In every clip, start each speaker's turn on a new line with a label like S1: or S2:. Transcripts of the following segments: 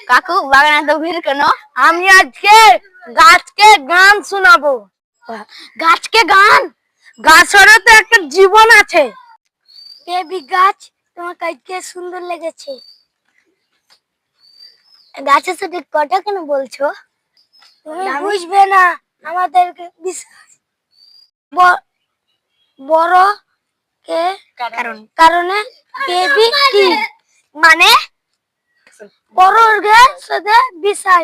S1: কাকু বাগানে তো ভিড় কেন?
S2: আমি আজকে গাছকে গান শোনাবো।
S1: গাছকে গান?
S2: গাছেরও তো একটা জীবন আছে।
S1: বেবি গাছ, তোমার আজকে সুন্দর লেগেছে। গাছের সাথে কথা কেন বলছো? তুমি বুঝবে না আমাদেরকে বিশ্বাস। বড় কে কারণে বেবি কি মানে? বড় সাথে বিষয়।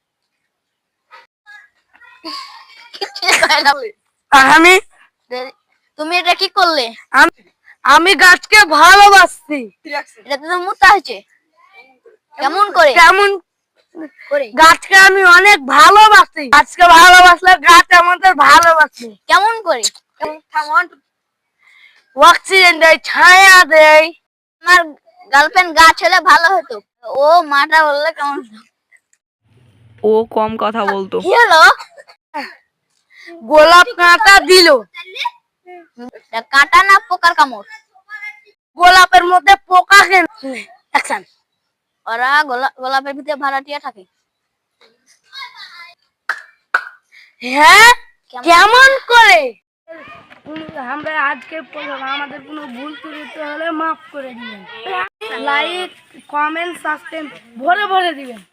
S2: আমি
S1: তুমি এটা কি করলে?
S2: আমি গাছকে ভালোবাসছি।
S1: এটা তো মুতা হয়েছে। কেমন করে?
S2: কেমন করে? গাছকে আমি অনেক ভালোবাসি। গাছকে ভালোবাসলে গাছ আমাদের ভালোবাসে।
S1: কেমন করে?
S2: অক্সিজেন দেয়, ছায়া দেয়।
S1: আমার গার্লফ্রেন্ড গাছ হলে ভালো হতো। ও মাটা বললে কেমন?
S3: ও কম কথা বলতো।
S1: কি হলো?
S2: গোলাপ কাঁটা দিল।
S1: কাঁটা না পোকার কামড়?
S2: গোলাপের মধ্যে পোকা কেন? অ্যাকশন।
S1: ওরা গোলাপের ভিতরে ভাড়াটিয়া থাকে।
S2: হ্যাঁ, কেমন করে? আমরা আজকে আমাদের কোনো ভুল ত্রুটি হলে মাফ করে দিবেন। লাইক, কমেন্ট, সাবস্ক্রাইব ভরে ভরে দিবেন।